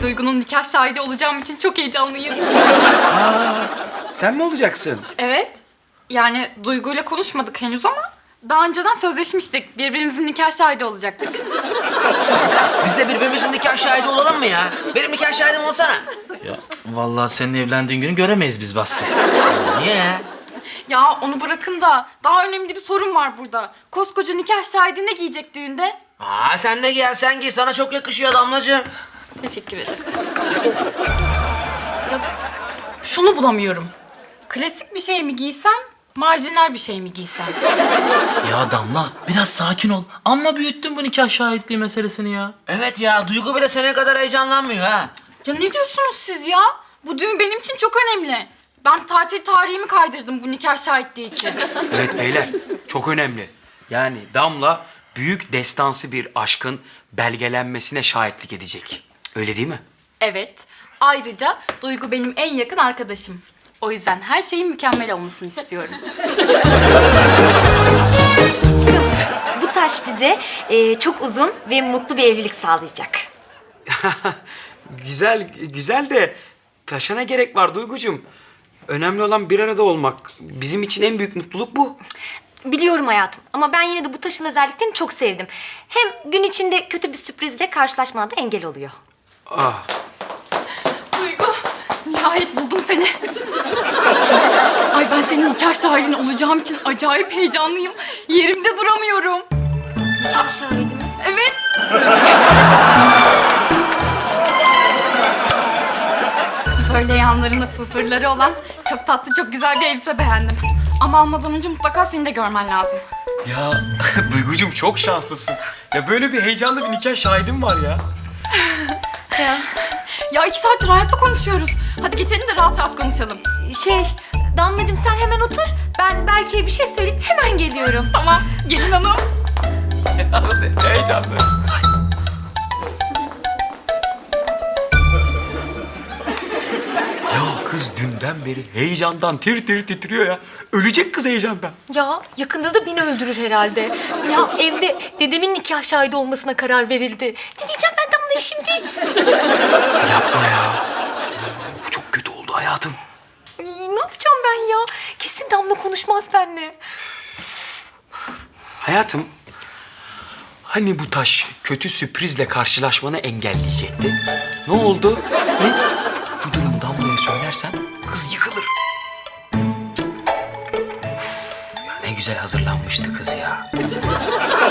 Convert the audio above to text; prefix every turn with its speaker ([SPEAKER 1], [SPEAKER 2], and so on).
[SPEAKER 1] Duygu'nun nikah şahidi olacağım için çok heyecanlıyım.
[SPEAKER 2] Sen mi olacaksın?
[SPEAKER 1] Evet. Yani Duygu'yla konuşmadık henüz ama daha önceden sözleşmiştik. Birbirimizin nikah şahidi olacaktık.
[SPEAKER 3] Biz de birbirimizin nikah şahidi olalım mı ya? Benim nikah şahidim olsana.
[SPEAKER 4] Ya vallahi senin evlendiğin günü göremeyiz biz Basri.
[SPEAKER 3] Niye ya?
[SPEAKER 1] Ya onu bırakın da daha önemli bir sorun var burada. Koskoca nikah şahidi ne giyecek düğünde?
[SPEAKER 3] Sen ne giy, sen giy. Sana çok yakışıyor Damlacığım.
[SPEAKER 1] Teşekkür ederim. Ya, şunu bulamıyorum. Klasik bir şey mi giysem, marjinal bir şey mi giysem?
[SPEAKER 4] Ya Damla biraz sakin ol. Amma büyüttün bu nikah şahitliği meselesini ya.
[SPEAKER 3] Evet ya, Duygu bile senin kadar heyecanlanmıyor ha.
[SPEAKER 1] Ya ne diyorsunuz siz ya? Bu düğün benim için çok önemli. Ben tatil tarihimi kaydırdım bu nikah şahitliği için.
[SPEAKER 2] Evet beyler, çok önemli. Yani Damla büyük destansı bir aşkın belgelenmesine şahitlik edecek. Öyle değil mi?
[SPEAKER 1] Evet. Ayrıca Duygu benim en yakın arkadaşım. O yüzden her şeyin mükemmel olmasını istiyorum.
[SPEAKER 5] Bu taş bize çok uzun ve mutlu bir evlilik sağlayacak.
[SPEAKER 2] Güzel de taşa ne gerek var Duygucuğum? Önemli olan bir arada olmak. Bizim için en büyük mutluluk bu.
[SPEAKER 5] Biliyorum hayatım ama ben yine de bu taşın özelliklerini çok sevdim. Hem gün içinde kötü bir sürprizle karşılaşmana da engel oluyor.
[SPEAKER 2] Ah,
[SPEAKER 1] Duygu, nihayet buldum seni. Ay ben senin nikah şahidin olacağım için acayip heyecanlıyım. Yerimde duramıyorum.
[SPEAKER 5] Nikah şahidi mi?
[SPEAKER 1] Evet. Böyle yanlarında fırfırları olan çok tatlı, çok güzel bir elbise beğendim. Ama almadan önce mutlaka seni de görmen lazım.
[SPEAKER 2] ya Duygucuğum çok şanslısın. Ya böyle bir heyecanlı bir nikah şahidim var ya.
[SPEAKER 1] Ya 2 saattir hayatta konuşuyoruz. Hadi geçelim de rahat rahat konuşalım.
[SPEAKER 5] Damlacığım sen hemen otur. Ben Berke'ye bir şey söyleyip hemen geliyorum.
[SPEAKER 1] Tamam, gelin hanım.
[SPEAKER 2] Heyecanlı. Ya kız dünden beri heyecandan tir tir titriyor ya. Ölecek kız heyecandan.
[SPEAKER 5] Ya yakında da beni öldürür herhalde. Ya evde dedemin nikah şahidi olmasına karar verildi. Ne diyeceğim ben Damla'ya şimdi?
[SPEAKER 2] Yapma ya. Bu çok kötü oldu hayatım.
[SPEAKER 5] Ay, ne yapacağım ben ya? Kesin Damla konuşmaz benimle.
[SPEAKER 2] Hayatım, hani bu taş kötü sürprizle karşılaşmanı engelleyecekti? Ne oldu? Hı? Bu durumu Damla'ya söylersen kız yıkılır. Cık. Uf, ya ne güzel hazırlanmıştı kız ya.